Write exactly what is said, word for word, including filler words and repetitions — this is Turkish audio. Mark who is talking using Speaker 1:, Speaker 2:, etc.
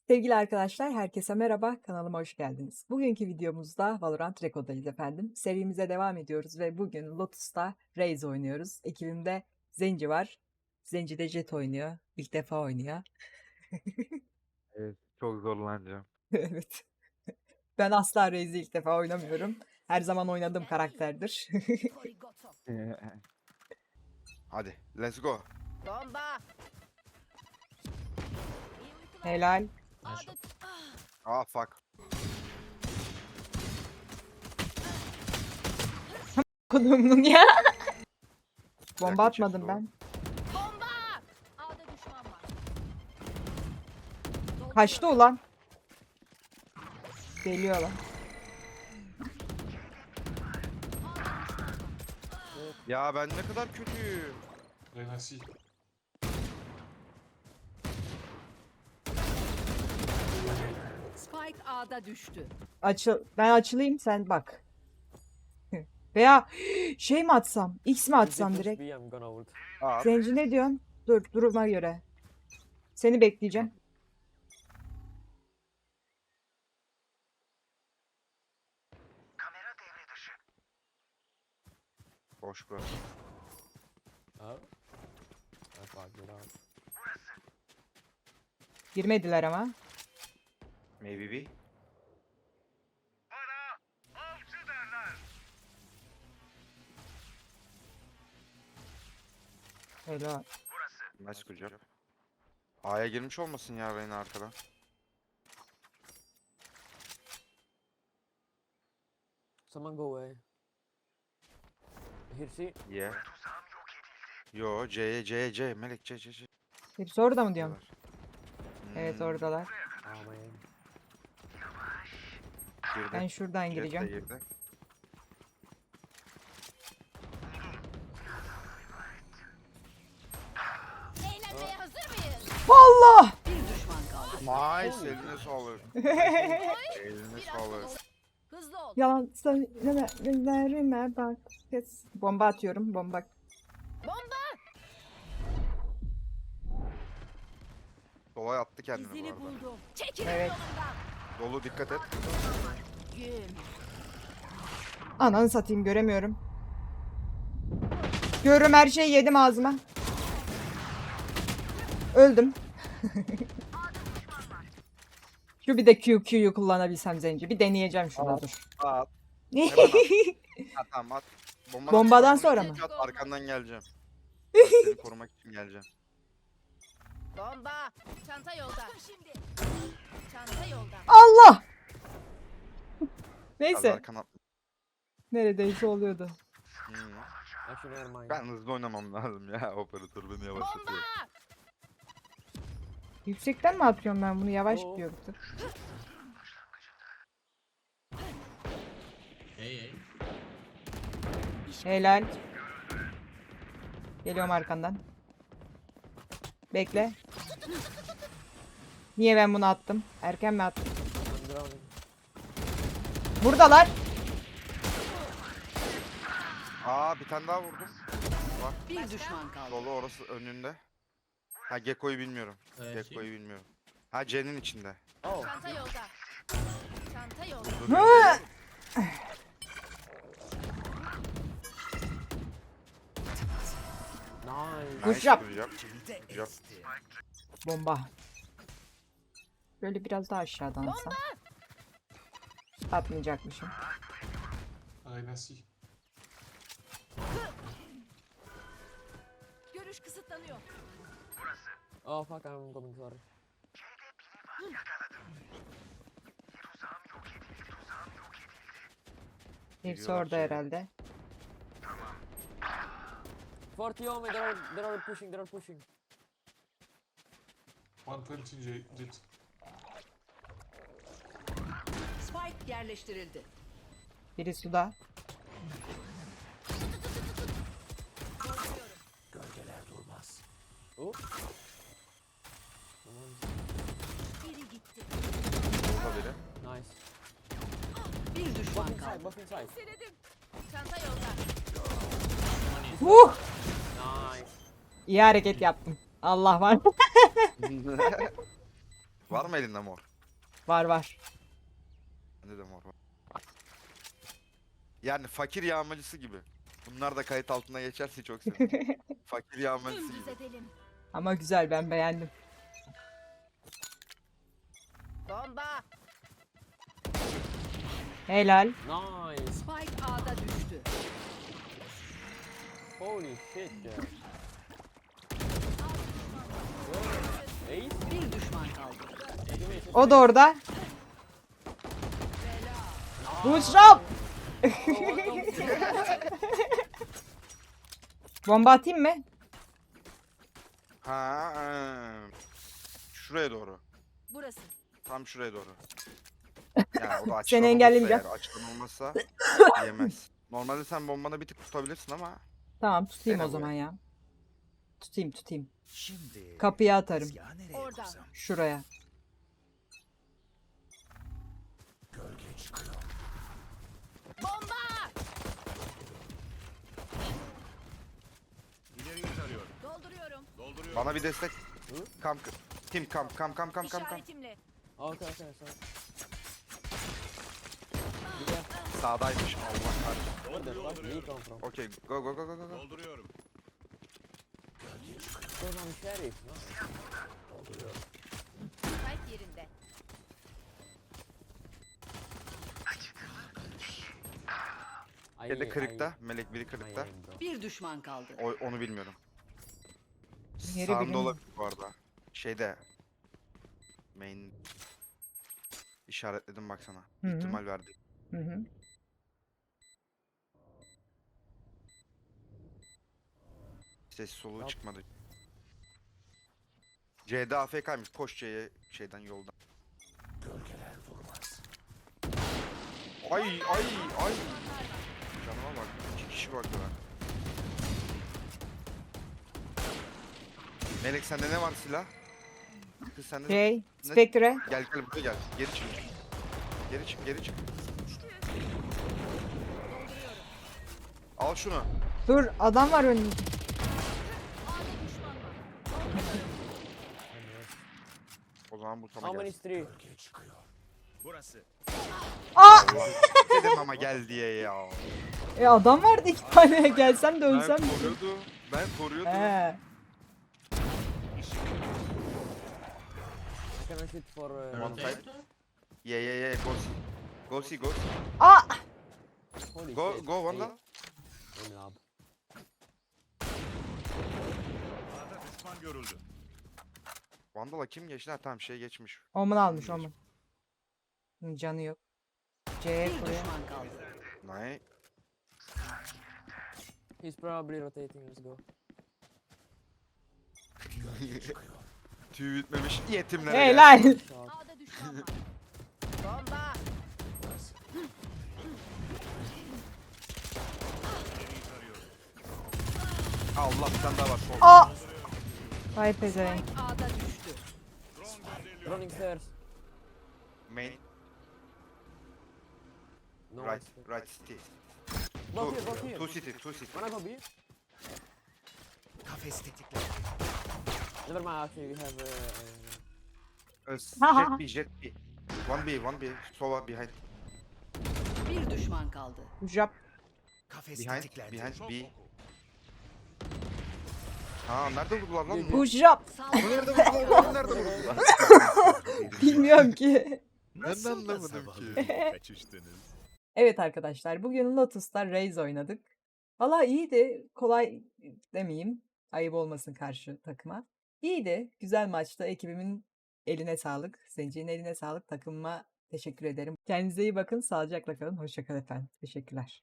Speaker 1: Sevgili arkadaşlar, herkese merhaba, kanalıma hoş geldiniz. Bugünkü videomuzda Valorant Reco'dayız efendim. Serimize devam ediyoruz ve bugün Lotus'ta Raze oynuyoruz. Ekibimde Zenci var. Zenci de Jet oynuyor. İlk defa oynuyor.
Speaker 2: Evet, çok zorlanacağım.
Speaker 1: Evet. Ben asla Raze'i ilk defa oynamıyorum. Her zaman oynadığım karakterdir.
Speaker 2: Hadi, let's go.
Speaker 3: Bomba.
Speaker 1: Helal.
Speaker 2: Ah fuck.
Speaker 1: Konuğumun ya. Bomba
Speaker 2: Yakın
Speaker 1: atmadım
Speaker 2: çift
Speaker 1: ben.
Speaker 3: Bomba. A'da düşman var.
Speaker 1: Kaçtı ulan. Geliyor lan.
Speaker 2: Ya ben ne kadar kötüyüm.
Speaker 4: Merci.
Speaker 3: Spike A'da düştü.
Speaker 1: Açıl ben açılayım sen bak. Veya şey mi atsam? X mi atsam direkt?
Speaker 5: I'm gonna ult.
Speaker 2: At.
Speaker 1: Zenci ne diyorsun? Dur duruma göre. Seni bekleyeceğim.
Speaker 2: Boş bırak.
Speaker 5: Oh. I fucked it up.
Speaker 1: Girmediler ama.
Speaker 2: Maybe we.
Speaker 1: Öyle.
Speaker 2: Nice kucak. A'ya girmiş olmasın ya beni arkadan.
Speaker 5: Someone go away. Here, see?
Speaker 2: Yeah. Yo, C'ye, C'ye, C. Melek, C, C, C.
Speaker 1: Hepsi orada mı diyorum?
Speaker 2: Diyorlar.
Speaker 1: Evet
Speaker 2: Hmm,
Speaker 1: oradalar.
Speaker 5: Oh man.
Speaker 2: girdi.
Speaker 1: Ben şuradan
Speaker 2: Jet de
Speaker 1: gireceğim.
Speaker 2: girdi.
Speaker 3: Eğlenmeye hazır mıyız?
Speaker 1: Allah!
Speaker 3: Bir düşman kaldı.
Speaker 2: Nice, eline sağlık. Eline
Speaker 3: Biraz
Speaker 2: sağlık.
Speaker 3: ol- Hızlı ol.
Speaker 1: Yalan söyleme gözlerime bak. Kes. Bomba atıyorum. Bomba.
Speaker 3: Bomba.
Speaker 2: Sola attı kendini bu
Speaker 3: İzini
Speaker 2: arada.
Speaker 3: buldum. Çekilin
Speaker 1: Evet.
Speaker 3: yolumdan.
Speaker 2: Dolu dikkat et.
Speaker 3: Gün.
Speaker 1: Ananı satayım göremiyorum. Görürüm her şeyi yedim ağzıma. Öldüm. Şu bir de Q Q'yu kullanabilsem Zenci. Bir deneyeceğim şunu
Speaker 2: Aa.
Speaker 1: dur.
Speaker 2: At. Hemen at. At tamam at. Bombanın
Speaker 1: Bombadan
Speaker 2: arkasına
Speaker 1: sonra
Speaker 2: git,
Speaker 3: mı?
Speaker 2: At, arkandan geleceğim. Ben seni korumak için geleceğim.
Speaker 3: Bomba. Çanta yolda. Şimdi. Çanta yolda.
Speaker 1: Allah!
Speaker 2: Az
Speaker 1: Neyse.
Speaker 2: arkana at.
Speaker 1: Neredeyse oluyordu.
Speaker 2: Hmm.
Speaker 5: Actually, never mind.
Speaker 2: Ben hızlı oynamam lazım ya. Operatör beni
Speaker 3: Bomba.
Speaker 2: yavaşlatıyor.
Speaker 1: Yüksekten mi atıyorum ben bunu? Yavaş
Speaker 5: Oo.
Speaker 1: gidiyordu. Helal. Geliyorum arkandan. Bekle. Niye ben bunu attım? Erken mi attım?
Speaker 5: I'm drowning.
Speaker 1: Buradalar.
Speaker 2: Aa bir tane daha vurdum.
Speaker 3: Bir düşman kaldı.
Speaker 2: Dolu orası önünde. Ha Gekko'yu bilmiyorum. Gekko'yu bilmiyorum. Ha C'nin içinde.
Speaker 5: Oh.
Speaker 3: Çanta yolda. Çanta yolda.
Speaker 2: Dur,
Speaker 1: Hı!
Speaker 5: Nice.
Speaker 1: Push yap.
Speaker 2: Yap. Yap.
Speaker 1: Bomba. Böyle biraz daha aşağıdan atsam. Atmayacakmışım.
Speaker 4: Allez, merci.
Speaker 3: Görüş kısıtlanıyor.
Speaker 5: Oh fuck, I'm coming, sorry.
Speaker 1: Hepsi
Speaker 2: Geliyorlar
Speaker 1: orada
Speaker 2: şeye.
Speaker 1: herhalde.
Speaker 5: forty oh me, they're all, they're all pushing, they're all pushing.
Speaker 4: one twenty J- Jet.
Speaker 3: Spike yerleştirildi.
Speaker 1: Biri suda.
Speaker 5: Oh.
Speaker 3: Biri gitti.
Speaker 2: Burada biri.
Speaker 5: Nice.
Speaker 3: Bir
Speaker 5: Buff
Speaker 3: düşman
Speaker 5: inside,
Speaker 3: kaldı.
Speaker 5: buff inside.
Speaker 3: Seledim. Çanta yolda.
Speaker 1: Uh!
Speaker 5: Nice.
Speaker 1: İyi hareket yaptım. Allah var.
Speaker 2: Var mı elinde mor?
Speaker 1: Var var.
Speaker 2: Bende de mor var. Yani fakir yağmacısı gibi. Bunlar da kayıt altına geçerse çok sevinirim. Fakir yağmacısı
Speaker 3: Dümdüz
Speaker 2: gibi.
Speaker 3: edelim.
Speaker 1: Ama güzel, ben beğendim.
Speaker 3: Bomba.
Speaker 1: Helal.
Speaker 5: Nice.
Speaker 3: Spike A'da düştü.
Speaker 5: Holy shit ya. Ace.
Speaker 3: Bir düşman kaldı.
Speaker 1: O da orada. Buşrap. Bomba atayım mı?
Speaker 2: Ha, ha. Şuraya doğru.
Speaker 3: Burası.
Speaker 2: Tam şuraya doğru. Yani o da açılan
Speaker 1: Seni
Speaker 2: olursa
Speaker 1: engellemeyeceğim.
Speaker 2: eğer, açılan olmazsa yemez. Normalde sen bombanı bir tık tutabilirsin ama
Speaker 1: Tamam, tutayım
Speaker 2: Dene
Speaker 1: o zaman ya. Tutayım tutayım.
Speaker 6: Şimdi
Speaker 1: Kapıya atarım.
Speaker 6: tezgahı nereye
Speaker 3: Orada.
Speaker 6: kursam?
Speaker 1: Şuraya.
Speaker 6: Gölge çıkıyor.
Speaker 3: Bomba.
Speaker 7: İleriyi tarıyorum.
Speaker 3: Dolduruyorum.
Speaker 7: Dolduruyorum.
Speaker 2: bana bir destek. Kam, tim kam kam kam kam kam kam.
Speaker 3: İşaretimle.
Speaker 5: Okay, okay, sorry.
Speaker 2: Sağdaymış Allah kahretsin.
Speaker 5: Where the fuck did he come from?
Speaker 2: Okey, go go go go go. go.
Speaker 7: Dolduruyorum.
Speaker 5: Because I'm sheriff, no?
Speaker 3: Spike yerinde.
Speaker 5: I-
Speaker 2: Yedi
Speaker 5: I-
Speaker 2: kırıkta, melek biri
Speaker 5: I
Speaker 2: kırıkta.
Speaker 5: aim, bro.
Speaker 3: Bir düşman kaldı.
Speaker 2: O, onu bilmiyorum.
Speaker 1: Yeri
Speaker 2: Sağında
Speaker 1: bilmiyorum.
Speaker 2: olabilir bu arada. Şeyde. Main işaretledim baksana.
Speaker 1: Hı hı.
Speaker 2: İhtimal verdi.
Speaker 1: Hı hı.
Speaker 2: Ses soluğu
Speaker 5: Yap.
Speaker 2: çıkmadı. C'de A F K'ymış. Koş C'ye şeyden yoldan.
Speaker 6: Gölgeler vurmaz.
Speaker 2: Ay ay ay. Canıma bak. İki kişi baktılar. Melek sende ne var silah? Kız sende ne?
Speaker 1: Şey, Spectre.
Speaker 2: Gel gel buraya gel. Geri çık. Geri çık geri çık. Al şunu.
Speaker 1: Dur, adam var önünde.
Speaker 3: A'da düşman var.
Speaker 2: O zaman bu sana
Speaker 5: How many
Speaker 2: gelsin.
Speaker 5: three?
Speaker 6: Gölge çıkıyor.
Speaker 7: Burası.
Speaker 2: Dedim ama gel diye ya.
Speaker 1: E adam vardı iki tane. Gelsem de ölsem.
Speaker 2: Ben koruyordum. Ben koruyordum.
Speaker 1: He.
Speaker 5: I cannot shoot for... Uh,
Speaker 2: One side. Yeah yeah yeah. Go see. Go see go. see.
Speaker 1: Aa!
Speaker 5: holy
Speaker 2: Go
Speaker 5: shit.
Speaker 2: go one
Speaker 5: Aim.
Speaker 2: da.
Speaker 5: Aim lab.
Speaker 7: A'da düşman görüldü.
Speaker 2: Vandal'a kim geçti? Ha tamam şey geçmiş.
Speaker 1: Omun almış Omun. Hı, canı yok. C'ye
Speaker 3: Bir
Speaker 1: koyuyor.
Speaker 3: düşman kaldı.
Speaker 2: Nice.
Speaker 5: He's probably rotating, let's go.
Speaker 6: Gölge çıkıyor.
Speaker 2: Tüy bitmemiş yetimlere gel.
Speaker 1: Helal.
Speaker 5: Shot.
Speaker 3: A'da düşman var. Bomba.
Speaker 7: İleriyi tarıyorum.
Speaker 2: Allah bir tane daha var. Sol.
Speaker 1: Aa! Vay pezevenk.
Speaker 3: Spike A'da düştü.
Speaker 7: Drone gönderiliyor.
Speaker 5: Running stairs.
Speaker 2: Main.
Speaker 5: No
Speaker 2: Right.
Speaker 5: one's-
Speaker 2: Right city.
Speaker 5: Both here, both here.
Speaker 2: Two city. Two city.
Speaker 5: Wanna go B?
Speaker 6: Kafes tetikler.
Speaker 5: Never mind, actually we have... Uh,
Speaker 2: Uh,
Speaker 1: Ha, ha,
Speaker 2: jet B. Jet B. One B. One B. Sova behind.
Speaker 3: Bir düşman kaldı.
Speaker 1: Jap.
Speaker 6: Kafes
Speaker 2: Behind.
Speaker 6: tetikler.
Speaker 2: Behind
Speaker 7: Çok
Speaker 2: B.
Speaker 7: oku.
Speaker 2: Ha nerede vurdular lan? bunu?
Speaker 1: Bu jap.
Speaker 2: Onu nerede vurdular? Onu nerede vurdular?
Speaker 1: Bilmiyorum ki.
Speaker 2: Ben de anlamadım ki.
Speaker 7: Kaçıştınız.
Speaker 1: Evet arkadaşlar, bugün Lotus'ta Raze oynadık. Valla iyiydi. Kolay demeyeyim. Ayıp olmasın karşı takıma. İyiydi. Güzel maçtı. Ekibimin eline sağlık. Zenci'nin eline sağlık. Takımıma teşekkür ederim. Kendinize iyi bakın. Sağlıcakla kalın. Hoşça kalın efendim. Teşekkürler.